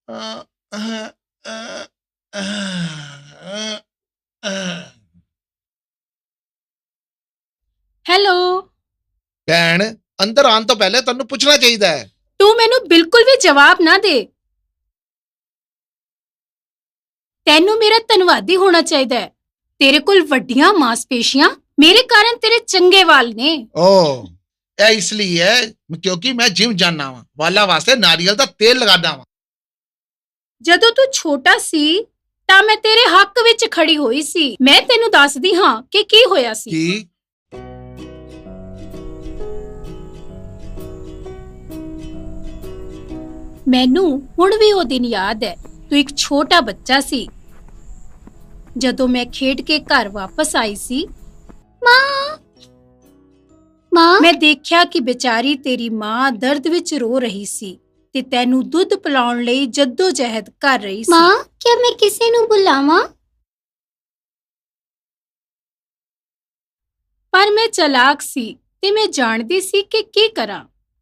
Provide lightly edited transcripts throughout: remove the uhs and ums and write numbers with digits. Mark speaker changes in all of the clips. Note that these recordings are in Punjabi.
Speaker 1: ਅ, ਅਹ, ਅਹ, ਅਹ, ਅਹ।
Speaker 2: ਹੈਲੋ।
Speaker 1: ਭੈਣ, ਅੰਦਰ ਆਉਣ ਤੋਂ ਪਹਿਲੇ ਤੁਹਾਨੂੰ ਪੁੱਛਣਾ ਚਾਹੀਦਾ ਹੈ।
Speaker 2: ਤੂੰ ਮੈਨੂੰ ਬਿਲਕੁਲ ਵੀ ਜਵਾਬ ਨਾ ਦੇ। ਤੈਨੂੰ ਮੇਰਾ ਧੰਨਵਾਦੀ ਹੋਣਾ ਚਾਹੀਦਾ ਹੈ। ਤੇਰੇ ਕੋਲ ਵੱਡੀਆਂ ਮਾਸਪੇਸ਼ੀਆਂ, ਮੇਰੇ ਕਾਰਨ ਤੇਰੇ ਚੰਗੇ ਵਾਲ ਨੇ।
Speaker 1: ਓ, ਇਹ ਇਸ ਲਈ ਹੈ ਕਿਉਂਕਿ ਮੈਂ ਜਿਮ ਜਾਣਾ ਵਾਂ, ਵਾਲਾਂ ਵਾਸਤੇ ਨਾਰੀਅਲ ਦਾ ਤੇਲ ਲਗਾਦਾ ਵਾਂ।
Speaker 2: ਜਦੋਂ ਤੂੰ ਛੋਟਾ ਸੀ ਤਾਂ ਮੈਂ ਤੇਰੇ ਹੱਕ ਵਿੱਚ ਖੜੀ ਹੋਈ ਸੀ। ਮੈਂ ਤੈਨੂੰ ਦੱਸਦੀ ਹਾਂ ਕਿ ਕੀ ਹੋਇਆ ਸੀ।
Speaker 1: ਕੀ?
Speaker 2: ਮੈਨੂੰ ਹੁਣ ਵੀ ਉਹ ਦਿਨ ਯਾਦ ਹੈ। ਤੂੰ ਇੱਕ ਛੋਟਾ ਬੱਚਾ ਸੀ। ਜਦੋਂ ਮੈਂ ਖੇਡ ਕੇ ਘਰ ਵਾਪਸ ਆਈ ਸੀ, ਮਾਂ ਮੈਂ ਦੇਖਿਆ ਕਿ ਵਿਚਾਰੀ ਤੇਰੀ ਮਾਂ ਦਰਦ ਵਿੱਚ ਰੋ ਰਹੀ ਸੀ ਤੇ ਤੈਨੂੰ ਦੁੱਧ ਪਿਲਾਉਣ ਲਈ ਜੱਦੋ-ਜਹਿਦ ਕਰ ਰਹੀ ਸੀ।
Speaker 3: ਮਾਂ, क्या मैं किसी ਨੂੰ ਬੁਲਾਵਾਂ?
Speaker 2: ਪਰ ਮੈਂ ਚਾਲਾਕ ਸੀ ਤੇ ਮੈਂ ਜਾਣਦੀ ਸੀ ਕਿ ਕੀ ਕਰਾਂ।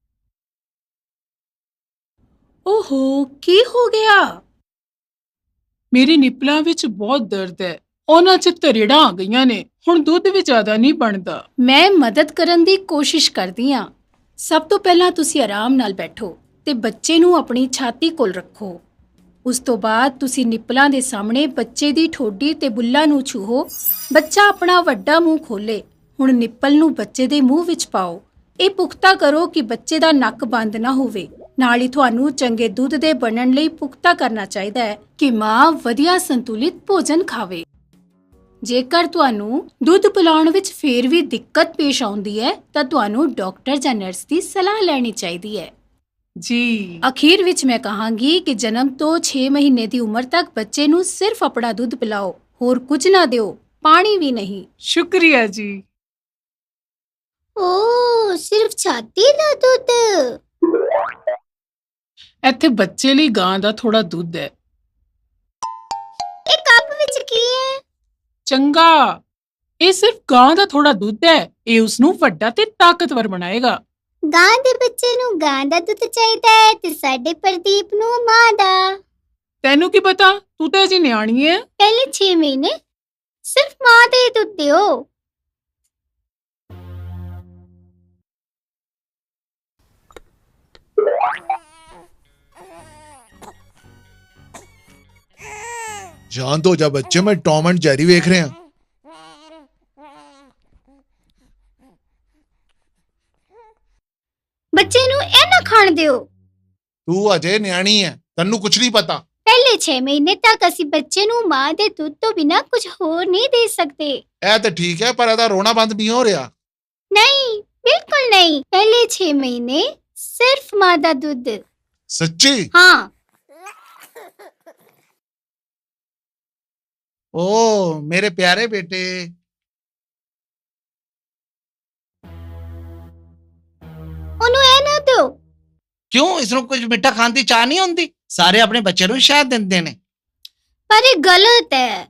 Speaker 2: ਓਹੋ, ਕੀ ਹੋ ਗਿਆ?
Speaker 4: ਮੇਰੇ ਨਿੱਪਲਾਂ ਵਿੱਚ ਬਹੁਤ ਦਰਦ ਹੈ। ਉਹਨਾਂ 'ਚ ਤਰੇੜਾਂ ਆ ਗਈਆਂ ਨੇ। ਹੁਣ ਦੁੱਧ ਵੀ ਜ਼ਿਆਦਾ ਨਹੀਂ ਬਣਦਾ।
Speaker 2: ਮੈਂ ਮਦਦ ਕਰਨ ਦੀ ਕੋਸ਼ਿਸ਼ ਕਰਦੀ ਹਾਂ। ਸਭ ਤੋਂ ਪਹਿਲਾਂ ਤੁਸੀਂ ਆਰਾਮ ਨਾਲ ਬੈਠੋ ਤੇ ਬੱਚੇ ਨੂੰ ਆਪਣੀ ਛਾਤੀ ਕੋਲ ਰੱਖੋ। ਉਸ ਤੋਂ ਬਾਅਦ ਤੁਸੀਂ ਨਿੱਪਲਾਂ ਦੇ ਸਾਹਮਣੇ ਬੱਚੇ ਦੀ ਠੋਡੀ ਤੇ ਬੁੱਲਾਂ ਨੂੰ ਛੂਹੋ। ਬੱਚਾ ਆਪਣਾ ਵੱਡਾ ਮੂੰਹ ਖੋਲੇ। ਹੁਣ ਨਿੱਪਲ ਨੂੰ ਬੱਚੇ ਦੇ ਮੂੰਹ ਵਿੱਚ ਪਾਓ। ਇਹ ਪੁਖਤਾ ਕਰੋ ਕਿ ਬੱਚੇ ਦਾ ਨੱਕ ਬੰਦ ਨਾ ਹੋਵੇ। ਨਾਲ ਹੀ ਤੁਹਾਨੂੰ ਚੰਗੇ ਦੁੱਧ ਦੇ ਬਣਨ ਲਈ ਪੁਖਤਾ ਕਰਨਾ ਚਾਹੀਦਾ ਹੈ ਕਿ ਮਾਂ ਵਧੀਆ ਸੰਤੁਲਿਤ ਭੋਜਨ ਖਾਵੇ। ਜੇਕਰ ਤੁਹਾਨੂੰ ਦੁੱਧ ਪਿਲਾਉਣ ਵਿੱਚ ਫੇਰ ਵੀ ਦਿੱਕਤ ਪੇਸ਼ ਆਉਂਦੀ ਹੈ ਤਾਂ ਤੁਹਾਨੂੰ ਡਾਕਟਰ ਜਾਂ ਨਰਸ ਦੀ ਸਲਾਹ ਲੈਣੀ ਚਾਹੀਦੀ ਹੈ।
Speaker 4: ਜੀ।
Speaker 2: ਅਖੀਰ ਵਿੱਚ ਮੈਂ ਕਹਾਂਗੀ ਕਿ ਜਨਮ ਤੋਂ 6 ਮਹੀਨੇ ਦੀ ਉਮਰ ਤੱਕ ਬੱਚੇ ਨੂੰ ਸਿਰਫ ਆਪਣਾ ਦੁੱਧ ਪਿਲਾਓ, ਹੋਰ ਕੁਝ ਨਾ ਦਿਓ, ਪਾਣੀ ਵੀ ਨਹੀਂ।
Speaker 4: ਸ਼ੁਕਰੀਆ ਜੀ।
Speaker 3: ਓ, ਸਿਰਫ ਛਾਤੀ ਦਾ ਦੁੱਧ?
Speaker 4: ਇੱਥੇ ਬੱਚੇ ਲਈ ਗਾਂ ਦਾ ਥੋੜਾ ਦੁੱਧ ਹੈ।
Speaker 3: ਇਹ ਕੱਪ ਵਿੱਚ ਕੀ ਹੈ?
Speaker 4: ਚੰਗਾ, ਇਹ ਸਿਰਫ ਗਾਂ ਦਾ ਥੋੜਾ ਦੁੱਧ ਹੈ। ਇਹ ਉਸ ਨੂੰ ਵੱਡਾ ਤੇ ਤਾਕਤਵਰ ਬਣਾਏਗਾ।
Speaker 3: ਗਾਂ ਦੇ ਬੱਚੇ ਨੂੰ ਗਾਂ ਦਾ ਦੁੱਧ ਚਾਹੀਦਾ ਹੈ ਤੇ ਸਾਡੇ ਪ੍ਰਦੀਪ ਨੂੰ ਮਾਂ ਦਾ।
Speaker 4: ਤੈਨੂੰ ਕੀ ਪਤਾ? ਤੂੰ ਤਾਂ ਅਜੇ ਨਿਆਣੀ ਹੈ।
Speaker 3: ਪਹਿਲੇ 6 ਮਹੀਨੇ ਸਿਰਫ ਮਾਂ ਦਾ ਹੀ ਦੁੱਧ ਦਿਓ।
Speaker 1: शांत हो जा बच्चे, मैं टॉम एंड जेरी ਵੇਖ ਰਿਹਾ।
Speaker 3: ਬੱਚੇ ਨੂੰ ਇਹ ਨਾ ਖਾਣ ਦਿਓ।
Speaker 1: ਤੂੰ ਅਜੇ ਨਿਆਣੀ ਹੈ, ਤੈਨੂੰ ਕੁਝ ਨਹੀਂ ਪਤਾ।
Speaker 3: ਪਹਿਲੇ 6 ਮਹੀਨੇ ਤੱਕ ਅਸੀਂ ਬੱਚੇ ਨੂੰ ਮਾਂ ਦੇ ਦੁੱਧ ਤੋਂ ਬਿਨਾਂ ਕੁਝ ਹੋਰ ਨਹੀਂ ਦੇ ਸਕਦੇ।
Speaker 1: ਇਹ ਤਾਂ ਠੀਕ ਹੈ, ਪਰ ਇਹਦਾ ਰੋਣਾ ਬੰਦ ਨਹੀਂ ਹੋ ਰਿਹਾ।
Speaker 3: ਨਹੀਂ, ਬਿਲਕੁਲ ਨਹੀਂ। ਪਹਿਲੇ 6 ਮਹੀਨੇ ਸਿਰਫ ਮਾਂ ਦਾ ਦੁੱਧ।
Speaker 1: ਸੱਚੀ?
Speaker 3: ਹਾਂ।
Speaker 1: ਓ ਮੇਰੇ ਪਿਆਰੇ ਬੇਟੇ।
Speaker 3: ਉਹਨੂੰ ਇਹ ਨਾ ਦਿਓ।
Speaker 5: ਕਿਉਂ? ਇਸ ਨੂੰ ਕੁਝ ਮਿੱਠਾ ਖਾਣ ਦੀ ਚਾਹ ਨਹੀਂ ਹੁੰਦੀ? ਸਾਰੇ ਆਪਣੇ ਬੱਚੇ ਨੂੰ ਸ਼ਹਿਦ ਦਿੰਦੇ ਨੇ।
Speaker 3: ਪਰ ਇਹ ਗਲਤ ਹੈ।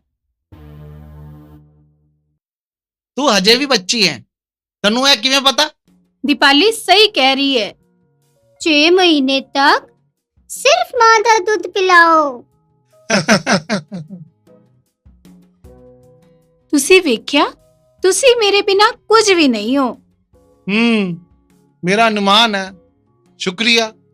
Speaker 5: ਤੂੰ ਹਜੇ ਵੀ ਬੱਚੀ ਹੈ, ਤੈਨੂੰ ਇਹ ਕਿਵੇਂ ਪਤਾ?
Speaker 2: ਦੀਪਾਲੀ ਸਹੀ ਕਹਿ ਰਹੀ ਹੈ।
Speaker 3: 6 ਮਹੀਨੇ ਤੱਕ ਸਿਰਫ ਮਾਂ ਦਾ ਦੁੱਧ ਪਿਲਾਓ।
Speaker 2: ਤੁਸੀਂ ਵੇਖਿਆ, ਤੁਸੀਂ ਮੇਰੇ ਬਿਨਾਂ ਕੁਝ ਵੀ ਨਹੀਂ ਹੋ।
Speaker 1: ਮੇਰਾ ਅਨੁਮਾਨ ਹੈ। ਸ਼ੁਕਰੀਆ।